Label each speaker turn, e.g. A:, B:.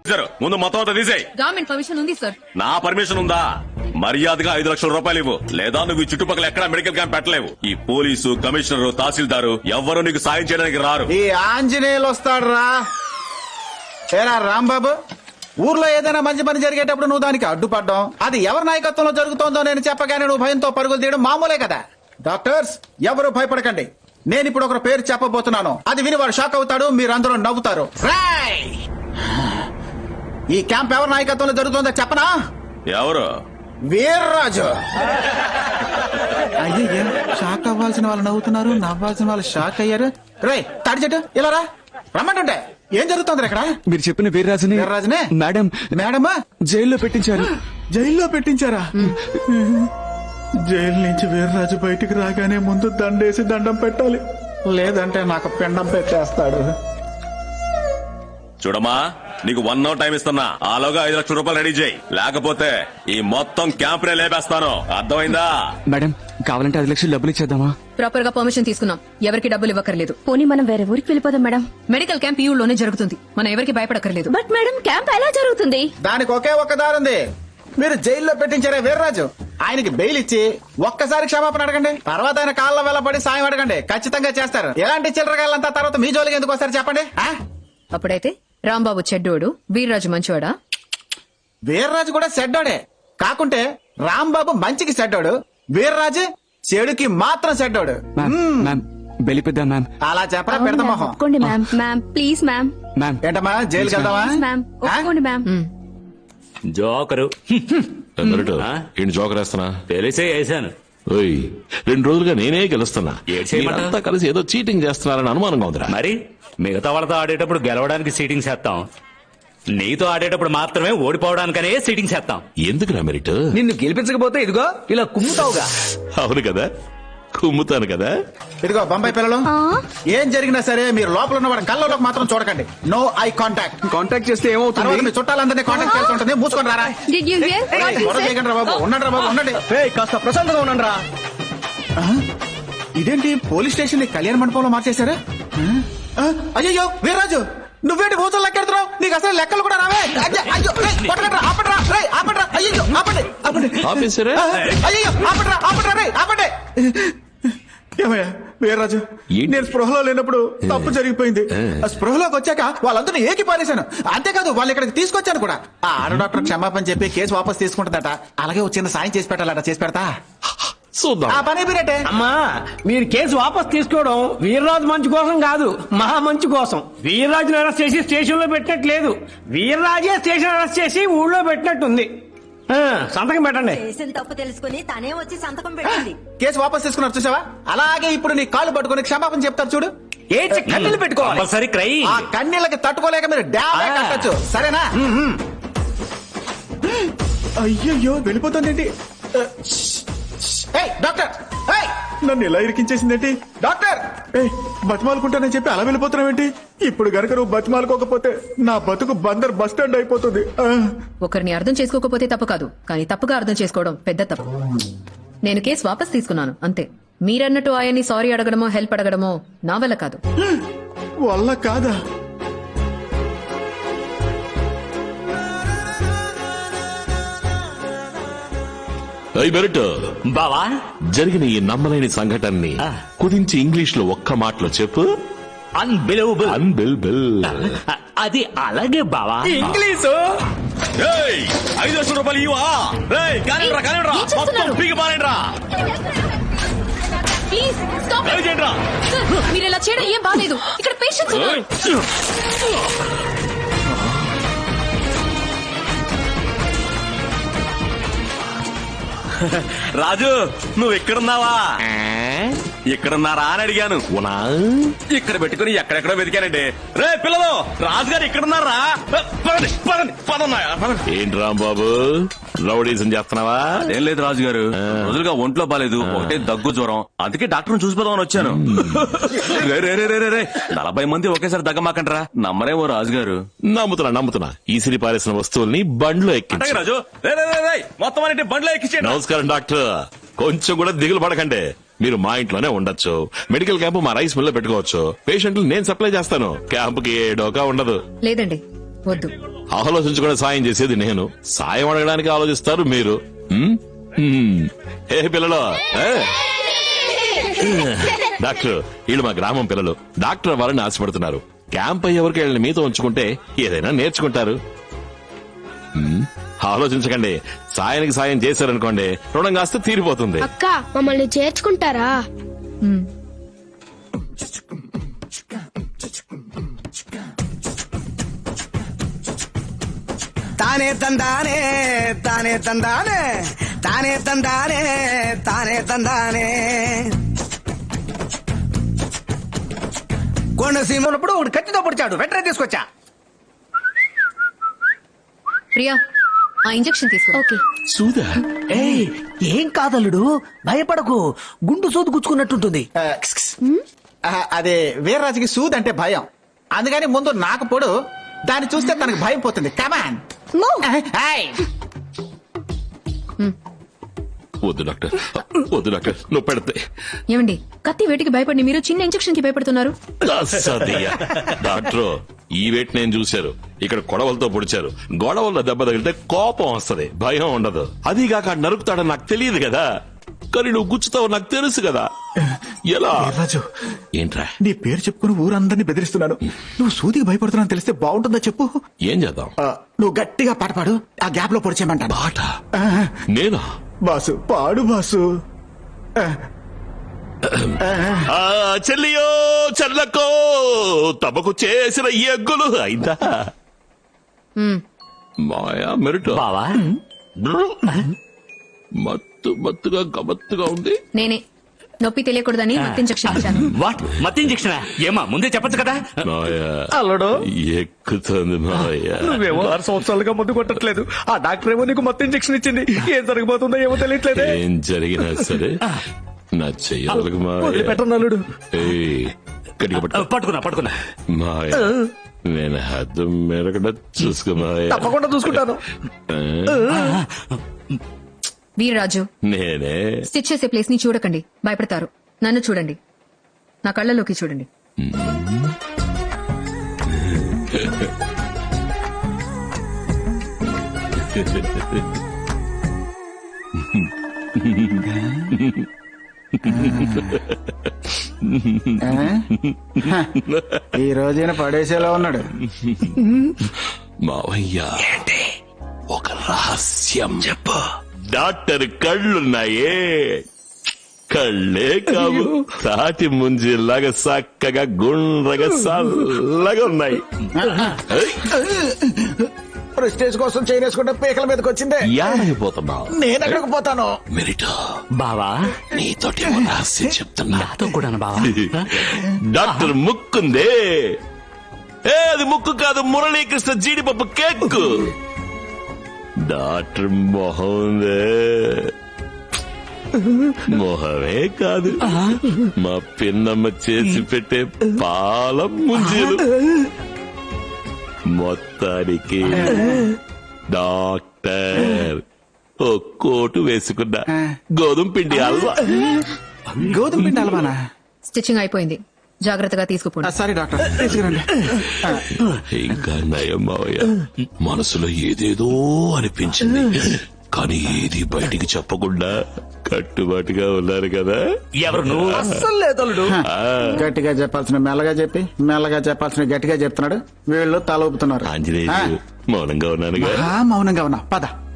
A: ముందు మొత్తం అంతా తీసేయ్.
B: గవర్నమెంట్ పర్మిషన్ ఉంది సార్.
A: నా పర్మిషన్ ఉందా? మర్యాదగా 5 లక్షల రూపాయలు ఇవ్వు, లేదా నువ్వు ఈ చుట్టుపక్కల ఎక్కడా మెడికల్ క్యాంప్ పెట్టలేవు. ఈ పోలీసు, కమిషనర్, తహసీల్దారు ఎవ్వరూ నీకు సాయం చేయడానికి రారు.
C: ఈ ఆంజనేయులు వస్తాడురా. ఏరా రాంబాబు, ఊర్లో ఏదైనా మంచి పని జరిగేటప్పుడు నువ్వు దానికి అడ్డుపడ్డం, అది ఎవరి నాయకత్వంలో జరుగుతోందో నేను చెప్పగానే నువ్వు భయంతో పరుగులు తీయడం మామూలే కదా. డాక్టర్స్ ఎవరు భయపడకండి. నేను ఇప్పుడు ఒక పేరు చెప్పబోతున్నాను, అది విని వాడు షాక్ అవుతాడు, మీరందరూ నవ్వుతారు. ఈ క్యాంప్ ఎవరి నాయకత్వంలో జరుగుతుందో చెప్పనా?
A: ఎవరు?
C: వీర్రాజు. అయ్యే, షాక్ అవ్వాల్సిన వాళ్ళు నవ్వుతున్నారు, నవ్వాల్సిన వాళ్ళు షాక్ అయ్యారు. రే తాడి చెట్టు ఇలా రా, రమ్మంటుంటే ఏం జరుగుతుంది ఇక్కడ?
D: మీరు చెప్పిన వీర్రాజుని మేడం
C: మేడమా
D: జైల్లో పెట్టించారు.
C: జైల్లో పెట్టించారా? జైలు నుంచి వీర్రాజు బయటికి రాగానే ముందు దండేసి దండం పెట్టాలి, లేదంటే నాకు పిండం పెట్టేస్తాడు.
A: చూడమ్మా, నీకు 1 hour టైం ఇస్తున్నా. ఆలోగా 5 లక్షల రూపాయలు రెడీ చేయి, లేకపోతే ఈ మొత్తం క్యాంప్ నే లేపేస్తాను. అర్థమైందా?
D: మేడం కావాలంటే 5 లక్షలు డబ్బులు ఇచ్చేద్దామా?
B: ప్రాపర్ గా పర్మిషన్ తీసుకున్నాం, ఎవరికి డబ్బులు ఇవ్వకర్లేదు.
E: పోనీ మనం వేరే ఊరికి వెళ్ళిపోదాం మేడం.
B: మెడికల్ క్యాంప్ ఈ ఊళ్ళోనే జరుగుతుంది, మనం ఎవరికి భయపడకర్లేదు.
E: బట్ మేడం క్యాంప్ ఎలా జరుగుతుంది?
C: దానికి ఒకే ఒక్క దారుంది. మీరు జైల్లో పెట్టించారే వీర్రాజు, ఆయనకి బెయిల్ ఇచ్చి ఒక్కసారి క్షమాపణ అడగండి, తర్వాత ఆయన కాళ్ళ వెళ్ళబడి సాయం అడగండి, ఖచ్చితంగా చేస్తారు. ఎలాంటి చిల్లరగాళ్ళంతా తర్వాత మీ జోలికి ఎందుకు వస్తారు చెప్పండి?
B: అప్పుడైతే రాంబాబు చెడ్డోడు, వీర్రాజు మంచివాడా?
C: వీర్రాజు కూడా చెడ్డోడే, కాకుంటే రాంబాబు మంచికి చెడ్డోడు, వీర్రాజు చెడుకి మాత్రం చెడ్డోడు.
D: బెలిపిద్దాం మ్యామ్.
C: అలా చెప్పరా పెడతా మొహం.
E: ఒప్పుకోండి మ్యామ్. Ma'am please ma'am.
C: ఏంటమ్మా జైలుకి వెళ్దామా?
E: మ్యామ్ ఒప్పుకోండి మ్యామ్.
F: జోకరు
G: జోకర్ వేస్తున్నా
F: తెలిసే వేసాను.
G: 2 రోజులుగా నేనే గెలుస్తున్నా.
F: చేయమంటావా?
G: అంతా కలిసి ఏదో చీటింగ్ చేస్తున్నారని అనుమానంగా ఉందిరా.
F: మరి మిగతా వాళ్ళతో ఆడేటప్పుడు గెలవడానికి సీటింగ్ చేస్తాం, నీతో ఆడేటప్పుడు మాత్రమే ఓడిపోవడానికనే సీటింగ్ చేస్తాం.
G: ఎందుకురా మెరిట్?
H: నిన్ను గెలిపించకపోతే ఇదిగో ఇలా కుమ్ముతావుగా.
G: అవును కదా, కుమ్ముతాను కదా.
C: ఇదిగో బొంబాయి పిల్లలు, ఏం జరిగినా సరే మీరు లోపల ఉన్న వాడి కళ్ళలోకి మాత్రం చూడకండి. No eye contact.
H: కాంటాక్ట్ చేస్తే ఏమవుతుంది?
C: మీ చుట్టాలందరినీ కాంటాక్ట్ చేస్తూ ఉంటుంది. మూసుకొని రారా.
E: Did you hear what he
C: గొడవ
E: said?
C: చేయకండి రా బాబు. ఉండండి రా బాబు, ఉండండి.
H: కాస్త ప్రశాంతంగా ఉండండి రా.
C: ఇదేంటి పోలీస్ స్టేషన్ కళ్యాణ మండపంలో మార్చేశారా? అయ్యో వీర్రాజు, నువ్వేంటి భూతులు లెక్కెడుతున్నావు? నీకు అసలు లెక్కలు కూడా రావే. అయ్యో కొట్టకండ్రా, ఆపండ్రా, రేయ్ ఆపండ్రా. అయ్యో ఆపండి, ఆపండి.
G: ఆఫీసరే?
C: అయ్యో ఆపండ్రా, ఆపండ్రా, రేయ్ ఆపండి. ఏమయ్యా వీర్రాజు, నేను స్పృహలో లేనప్పుడు తప్పు జరిగిపోయింది. స్పృహలోకి వచ్చాక వాళ్ళందరినీ ఏకి పారేశాను. అంతేకాదు వాళ్ళు ఇక్కడికి తీసుకొచ్చాను కూడా. ఆ ఆడ డాక్టర్ క్షమాపణ చెప్పి కేసు వాపస్ తీసుకుంటుందట. అలాగే వచ్చిన సాయం చేసి పెట్టాలట, చేసి పెడతా.
G: చూద్దాం.
C: ఆ పని మీరేటే.
H: అమ్మా మీరు కేసు వాపస్ తీసుకోవడం వీర్రాజు మంచి కోసం కాదు, మహా మంచి కోసం. వీర్రాజుని అరెస్ట్ చేసి స్టేషన్ లో పెట్టినట్లేదు, వీర్రాజే స్టేషన్ అరెస్ట్ చేసి ఊళ్ళో పెట్టినట్టుంది. సంతకం పెట్టండి.
I: చేసిన తప్పు తెలుసుకుని తనే వచ్చి సంతకం పెట్టింది.
C: కేసు వాపస్ తీసుకున్నారు చూసావా? అలాగే ఇప్పుడు నీ కాళ్ళు పట్టుకుని క్షమాపణ చెప్తారు చూడు.
H: ఏడ్చి కన్నీళ్ళు పెట్టుకోవాలి.
F: సరే క్రై.
C: ఆ కన్నీళ్ళకి తట్టుకోలేక మీరు డ్యామే కట్టచ్చు, సరేనా? అయ్యయ్యో వెళ్ళిపోతుందేంటి? డాక్టర్, నన్ను ఇలా ఇరికించేసిందేంటి? డాక్టర్, బతిమాలుకుంటానని చెప్పి అలా వెళ్ళిపోతున్నావేంటి? ఇప్పుడు గనక నువ్వు బతిమాలుకోకపోతే నా బతుకు బందర్ బస్ స్టాండ్ అయిపోతుంది.
B: ఒకరిని అర్థం చేసుకోకపోతే తప్పు కాదు, కానీ తప్పుగా అర్థం చేసుకోవడం పెద్ద తప్పు. నేను కేసు వాపస్ తీసుకున్నాను అంతే. మీరన్నట్టు ఆయన్ని సారీ అడగడమో హెల్ప్ అడగడమో నా వల్ల కాదు.
C: వల్ల కాదా?
G: మెరిట్
F: బావా,
G: జరిగిన ఈ నమ్మలేని సంఘటనని కుదించి ఇంగ్లీష్ లో ఒక్క మాటలో చెప్పు.
F: అన్బిలీవబుల్.
G: అన్బిలీవబుల్.
F: అది అలాగే బావా.
H: ఇంగ్లీషు
A: 5 లక్షల రూపాయలు ఇవా? కానివ్వరా, కానివ్వరా, మొత్తం పీకి పారేయండిరా.
B: Please stop. మీరు ఇలా చేయడం ఏం బాలేదు. ఇక్కడ పేషెంట్స్ ఉన్నారు.
A: రాజు, నువ్వు ఎక్కడున్నావా? ఎక్కడున్నారా అని అడిగాను. ఇక్కడ పెట్టుకుని ఎక్కడెక్కడో వెతికానండి. రే పిల్లలు, రాజుగారు ఎక్కడున్నారా?
G: ఏంటి రాంబాబు రౌడీజం చేస్తున్నావా?
A: ఏం లేదు రాజుగారు, రోజులుగా ఒంట్లో బాలేదు, ఒకటే దగ్గు జ్వరం, అందుకే డాక్టర్ చూసిపోదామని వచ్చాను. 40 మంది ఒకేసారి దగ్గమాకంటారా? నమ్మరేమో రాజుగారు.
G: నమ్ముతున్నా. ఈసిరి పారేసిన వస్తువుల్ని బండ్లో ఎక్కించు.
A: రాజు, మొత్తం అన్నిటి బండ్లో ఎక్కించండి.
G: నమస్కారం డాక్టర్, కొంచెం కూడా దిగులు పడకండి. మీరు మా ఇంట్లోనే ఉండొచ్చు. మెడికల్ క్యాంప్ మా రైస్ మిల్ లో పెట్టుకోవచ్చు. పేషెంట్లు నేను సప్లై చేస్తాను. క్యాంపుకి ఏ డోకా ఉండదు.
B: లేదండి, వద్దు.
G: ఆలోచించకుండా సాయం చేసేది నేను, సాయం అడగడానికి ఆలోచిస్తారు మీరు. ఉమ్? ఉమ్. ఏ పిల్లలు ఏ? డాక్టర్ వీళ్ళు మా గ్రామం పిల్లలు, డాక్టర్ అవ్వాలని ఆశపడుతున్నారు. క్యాంప్ అయ్యేవరకు వీళ్ళని మీతో ఉంచుకుంటే ఏదైనా నేర్చుకుంటారు. ఆలోచించకండి, సాయానికి సాయం చేశారనుకోండి రుణం కాస్త తీరిపోతుంది.
E: అక్క మమ్మల్ని చేర్చుకుంటారా?
J: తానే తందానే తానే తందానే తానే తందానే తానే తందానే. కోనసీమ ఉన్నప్పుడు ఒకటి కత్తితో పొడిచాడు, వెంటనే తీసుకొచ్చా.
B: ప్రియా ఆ ఇంజెక్షన్ తీసుకో.
E: ఓకే.
G: సూదా
J: ఏయ్, ఏం కాదల్లుడు, భయపడకు, గుండు సూదు గుచ్చుకున్నట్టుంటుంది.
C: అదే వీర్రాజుకి సూద్ అంటే భయం, అందుకని ముందు నాకు పొడు, దాన్ని చూస్తే తనకు భయం పోతుంది. కమాన్.
G: వద్దు డాక్టర్, వద్దు డాక్టర్, నువ్వు పెడితే.
B: ఏమండి కత్తి వేటికి భయపడి మీరు చిన్న ఇంజెక్షన్ కి భయపడుతున్నారు?
G: డాక్టర్ ఈ వేట్ నేను చూశారు, ఇక్కడ కొడవలతో పొడిచారు. గొడవల్లో దెబ్బ తగిలితే కోపం వస్తది, భయం ఉండదు. అదిగాక నరుకుతాడని నాకు తెలియదు కదా, కానీ నువ్వు గుచ్చుతావు నాకు తెలుసు కదా. ఎలా
C: రాజు,
G: ఏంట్రా
C: నీ పేరు చెప్పుకుని ఊరందరినీ బెదిరిస్తున్నాను. నువ్వు సూదికి భయపడుతున్నాను తెలిస్తే బాగుంటుందా చెప్పు.
G: ఏం చేద్దాం?
C: నువ్వు గట్టిగా పాట పాడు, ఆ గ్యాప్ లో పొడిచేయమంటాను.
G: పాట? నేనా?
C: బాసు పాడు బాసు.
G: చెల్లియో చెల్లకో తమకు చేసిన ఎగ్గులు అయిందా మాయా మెరుట
F: బావా
G: మత్తు మత్తుగా గమత్తుగా ఉంది.
B: నేనే నొప్పి తెలియకూడదని మత్తు ఇంజెక్షన్ ఇచ్చాను.
F: వాట్ మత్తు ఇంజెక్షన్? ఏమా ముందే చెప్పొచ్చు కదా.
G: మాయా
H: అల్లుడు
G: ఎక్కుతుంది మాయా.
H: నువ్వేమో 6 సంవత్సరాలుగా మందు కొట్టట్లేదు, ఆ డాక్టర్ ఏమో నీకు మొత్తం ఇంజెక్షన్ ఇచ్చింది. ఏం జరగబోతుందో ఏమో తెలియట్లేదే.
G: ఏం జరిగినా సరే నా చెయ్యాలకు మాయా.
H: పెట్టనల్లుడు.
G: ఏయ్, గట్టిగా పట్టుకో.
F: పట్టుకున్నా
G: మాయా నేను హద్దు మెరగడ చూసుకో మాయా.
H: తప్పకుండా చూసుకుంటాను.
B: వీర్రాజు
G: నేనే
B: స్టిచ్ చేసే ప్లేస్ ని చూడకండి, భయపడతారు. నన్ను చూడండి, నా కళ్ళలోకి చూడండి.
C: ఈ రోజైన పడేసేలా ఉన్నాడు.
G: మావయ్య ఒక రహస్యం చెప్పు. డాక్టర్ కళ్ళున్నాయే, కళ్ళే కావు, తాటి ముంజిలాగా చక్కగా గుండ్రగా చల్లగా ఉన్నాయి.
C: ప్రెస్టేజ్ కోసం చేయనేసుకుంటే పీకల మీదకి వచ్చిందే.
G: యాడైపోతున్నావు?
C: నేను ఎక్కడికి పోతాను?
G: మెరిటో
F: బావా
G: నీతోటి ఓ రహస్యం చెప్తున్నా.
F: నాతో కూడా బావా.
G: డాక్టర్ ముక్కుందే, అది ముక్కు కాదు, మురళీకృష్ణ జీడిపప్పు కేక్. డాక్టర్ మొహం ఉందే, మొహమే కాదు, మా పిన్నమ్మ చేసి పెట్టే పాల ముంజీలు. మొత్తానికి డాక్టర్ ఓ కోటు వేసుకున్నా, గోధుమ పిండి హల్వా.
C: గోధుమ పిండి అలవానా?
B: స్టిచ్చింగ్ అయిపోయింది, జాగ్రత్తగా తీసుకుపోండి.
C: సారీ డాక్టర్, తీసుకురండి.
G: ఇంకా నయం మావయ్య, మనసులో ఏదేదో అనిపించింది, కానీ ఏది బయటికి చెప్పకుండా కట్టుబాటుగా ఉన్నారు కదా.
F: ఎవరు నువ్వు?
H: అస్సలు లేదల్లుడు.
C: గట్టిగా చెప్పాల్సిన మెల్లగా చెప్పి, మెల్లగా చెప్పాల్సిన గట్టిగా చెప్తున్నాడు. వీళ్ళు తల ఊపుతున్నారు.
G: ఆంజనేయులు మౌనంగా ఉన్నానుగా.
C: మౌనంగా ఉన్నా, పద.